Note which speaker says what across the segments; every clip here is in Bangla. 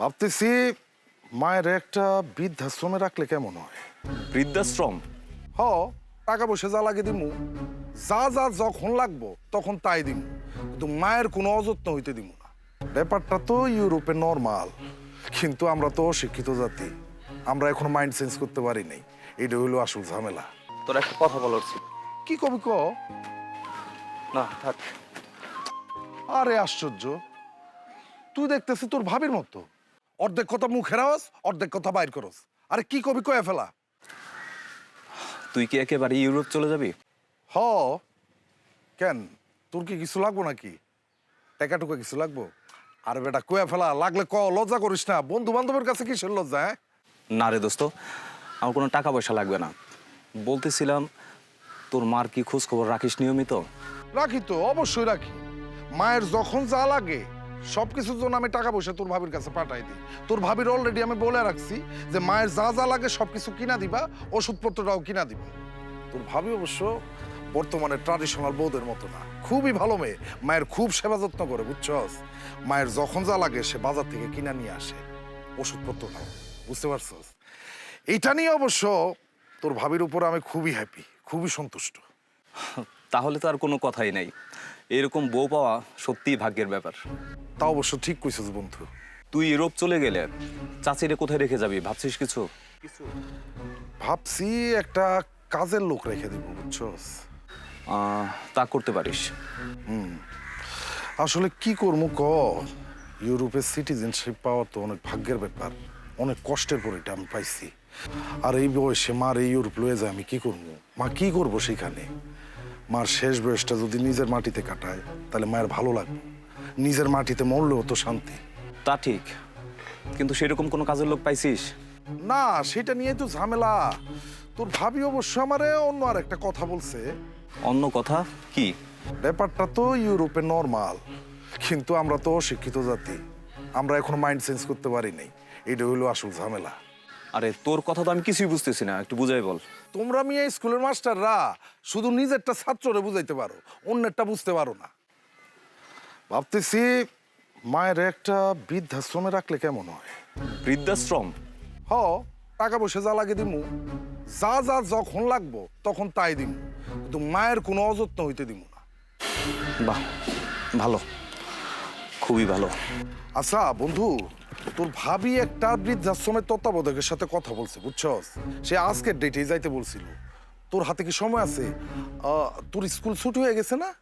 Speaker 1: ভাবতেছি মায়ের একটা বৃদ্ধাশ্রমে রাখলে কেমন হয়।
Speaker 2: বৃদ্ধাশ্রম?
Speaker 1: হ, টাকা পয়সা যা লাগে দিমু, যা যা যখন লাগবো তখন তাই দিমু, কিন্তু মায়ের কোনো অযত্ন হইতে দিমু না। ব্যাপারটা তো ইউরোপে নর্মাল, কিন্তু আমরা তো অশিক্ষিত জাতি, আমরা এখন মাইন্ড চেঞ্জ করতে পারি নাই। এটা হইলো আসল ঝামেলা।
Speaker 2: তোর একটা কথা বলার ছিল।
Speaker 1: কি কবি ক?
Speaker 2: না থাক।
Speaker 1: আরে আশ্চর্য, তুই দেখতেছি তোর ভাবির মতো, অর্ধেক কথা মুখে রাওয়াস, অর্ধেক কথা বাইর করস। আরে কি কবি কয়ে ফেলা।
Speaker 2: তুই কি একেবারে ইউরোপ চলে যাবি?
Speaker 1: হ, কেন তোর কি কিছু লাগবো নাকি? টাকা টুকা কিছু লাগবো? আর বেটা কয়ে ফেলা, লাগলে ক, লজ্জা করিস না। বন্ধু বান্ধবের কাছে কিসের লজ্জা? হ্যাঁ,
Speaker 2: না রে দোস্ত, আমার কোনো টাকা পয়সা লাগবে না। বলতেছিলাম, তোর মার কি খোঁজ খবর রাখিস নিয়মিত?
Speaker 1: রাখি তো, অবশ্যই রাখি। মায়ের যখন যা লাগে সবকিছুর জন্য আমি টাকা পয়সা তোর ভাবির কাছে পাঠাই দিই। তোর ভাবির অলরেডি আমি বলে রাখছি যে মায়ের যা যা লাগে সবকিছু কিনা দিবা, ওষুধপত্রটাও কিনা দিবা। তোর ভাবি অবশ্য বর্তমানে ট্রাডিশনাল বউদের মতো না, খুবই ভালো মেয়ে। মায়ের খুব সেবা যত্ন করে, বুঝছস? মায়ের যখন যা লাগে সে বাজার থেকে কিনা নিয়ে আসে, ওষুধপত্রটাও। বুঝতে পারছস? এইটা নিয়ে অবশ্য তোর ভাবির উপর আমি খুবই হ্যাপি, খুবই সন্তুষ্ট।
Speaker 2: তাহলে তো আর কোনো কথাই নাই। এরকম বউ পাওয়া সত্যিই ভাগ্যের ব্যাপার।
Speaker 1: তা অবশ্য ঠিক কইছিস বন্ধু।
Speaker 2: তুই ইউরোপ চলে গেলে চাচিরে কোথায় রেখে যাবি ভাবছিস কিছু?
Speaker 1: ভাবছি একটা কাজের লোক রেখে দিব, বুঝছস?
Speaker 2: তা করতে পারিস।
Speaker 1: আসলে কি করবো ক, ইউরোপের সিটিজেনশিপ পাওয়া তো অনেক ভাগ্যের ব্যাপার, অনেক কষ্টের পর এটা আমি পাইছি। আর এই বয়সে মার এই ইউরোপ লয়ে যায় আমি কি করবো? মা কি করবো সেখানে? মার শেষ বয়সটা যদি নিজের মাটিতে কাটায় তাহলে মায়ের ভালো লাগবে, নিজের মাটিতে মরলেও তো শান্তি।
Speaker 2: তা ঠিক, কিন্তু সেরকম কোনো কাজের লোক পাইছিস?
Speaker 1: না, সেটা নিয়ে তো ঝামেলা। তোর ভাবি অবশ্য আমারে অন্য আর একটা কথা বলছে।
Speaker 2: অন্য কথা কি?
Speaker 1: ব্যাপারটা তো ইউরোপে নর্মাল, কিন্তু আমরা তো অশিক্ষিত জাতি, আমরা এখন মাইন্ড চেঞ্জ করতে পারি নাই। এটা হইলো আসল ঝামেলা।
Speaker 2: আরে তোর কথা তো আমি কিছুই বুঝতেছি না, একটু বুঝাই বল।
Speaker 1: তোমরা মিয়া স্কুলের মাস্টাররা শুধু নিজেরটা ছাত্ররে বুঝাইতে পারো, অন্যেরটা বুঝতে পারো না। ভাবতেছি মায়ের একটা বৃদ্ধাশ্রমে রাখলে কেমন হয়।
Speaker 2: বৃদ্ধাশ্রম?
Speaker 1: হ, টাকা পয়সা যা লাগে দিমু, যা যা যখন লাগবো তখন তাই দিমু, কিন্তু মায়ের কোনো অযত্ন হইতে দিমু না।
Speaker 2: বাহ, ভালো, খুবই ভালো।
Speaker 1: আচ্ছা বন্ধু, তোর ভাবি একটা বৃদ্ধাশ্রমের তত্ত্বাবধায়কের সাথে কথা বলছে, বুঝছস? সে আজকের ডেটেই যাইতে বলছিল। তোর হাতে কি সময় আছে? তোর স্কুল ছুটি হয়ে গেছে না?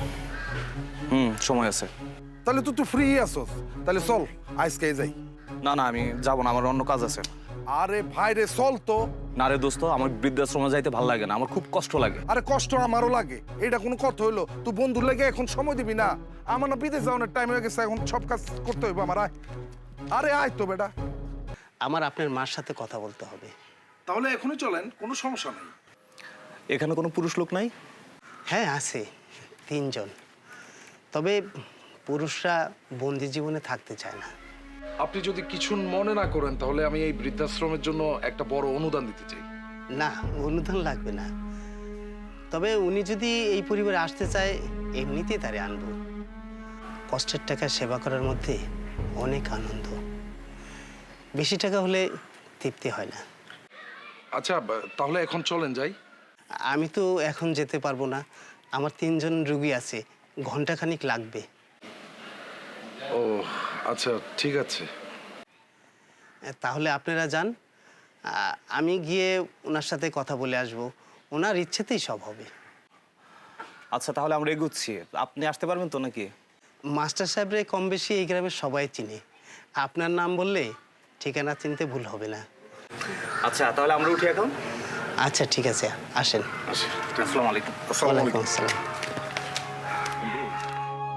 Speaker 2: সময় আছে।
Speaker 1: তাহলে তুই ফ্রি আসস, তাহলে চল আজকে যাই।
Speaker 2: না না, আমি যাব না, আমার অন্য কাজ আছে।
Speaker 1: আরে ভাই রে, চল তো।
Speaker 2: না রে দোস্ত, আমার বৃদ্ধাশ্রমে যাইতে ভালো লাগে না, আমার খুব কষ্ট লাগে।
Speaker 1: আরে কষ্ট আমারও লাগে, এটা কোনো কথা হইলো? তুই বন্ধুর লেগে এখন সময় দিবি না? আমার না বিদেশ যাওয়ার টাইম হয়ে গেছে, এখন সব কাজ করতে হইব আমার। আয়, আরে আয় তো বেটা।
Speaker 3: আমার আপনার মার সাথে কথা বলতে হবে।
Speaker 1: তাহলে এখনই চলেন, কোনো সমস্যা নেই।
Speaker 2: এখানে কোনো পুরুষ লোক নাই?
Speaker 3: হ্যাঁ আছে, 3 জন। তবে পুরুষরা বন্দি জীবনে থাকতে চায় না।
Speaker 1: আপনি যদি কিছু মনে না করেন তাহলে আমি এই বৃদ্ধাশ্রমের জন্য একটা বড় অনুদান দিতে চাই।
Speaker 3: না, অনুদান লাগবে না। তবে উনি যদি এই পরিবারে আসতে চায়, এমনিতেই তারে আনবো। কষ্টের টাকা সেবা করার মধ্যে অনেক আনন্দ। বেশি টাকা হলে তৃপ্তি হয় না।
Speaker 1: আচ্ছা, তাহলে এখন চলেন যাই।
Speaker 3: আমি তো এখন যেতে পারবো না, আমার 3 জন রুগী আছে, ঘন্টাখানিক লাগবে।
Speaker 1: ও আচ্ছা, ঠিক আছে।
Speaker 3: তাহলে আপনারা যান, আমি গিয়ে ওনার সাথে কথা বলে আসব। ওনার ইচ্ছেতেই সব হবে।
Speaker 2: আচ্ছা তাহলে আমরা এগুচ্ছি, আপনি আসতে পারবেন তো নাকি?
Speaker 3: মাস্টার সাহেবরে কম বেশি এই গ্রামের সবাই চিনে। আপনার নাম বললে ঠিকানা চিনতে ভুল হবে না।
Speaker 2: আচ্ছা তাহলে আমরা উঠি এখন।
Speaker 3: আচ্ছা ঠিক আছে, আসেন।
Speaker 1: আচ্ছা,
Speaker 2: আসসালামু আলাইকুম।
Speaker 1: আসসালামু আলাইকুম।
Speaker 3: ওয়ালাইকুম আসসালাম।